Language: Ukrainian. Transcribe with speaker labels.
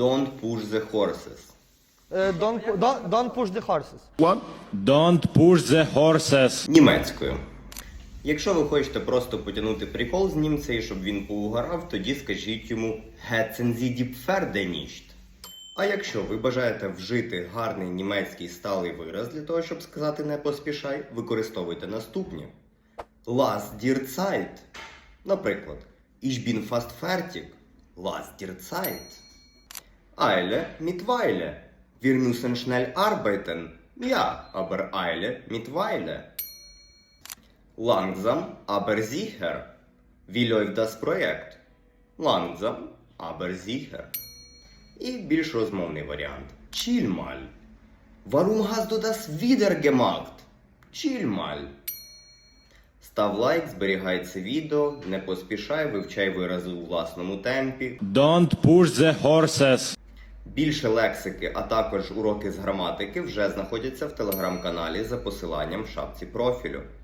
Speaker 1: Don't push the horses.
Speaker 2: Don't push the horses.
Speaker 3: Don't push the horses.
Speaker 1: Німецькою. Якщо ви хочете просто потягнути прикол з німця і щоб він поугарав, тоді скажіть йому «Hetzen Sie die Pferde nicht». А якщо ви бажаєте вжити гарний німецький сталий вираз для того, щоб сказати «не поспішай», використовуйте наступні. Lass dir Zeit. Наприклад, Ich bin fast fertig. Lass dir Zeit. Eile mit Weile. Wir müssen schnell arbeiten. Ja, aber Eile mit Weile. Langsam, aber sicher. Wie läuft das Projekt? Langsam, aber sicher. І більш розмовний варіант. Chill mal. Warum hast du das wieder gemacht? Chill mal. Став лайк, зберігай це відео, не поспішай, вивчай вирази у власному темпі.
Speaker 3: Don't push the horses.
Speaker 1: Більше лексики, а також уроки з граматики вже знаходяться в телеграм-каналі за посиланням в шапці профілю.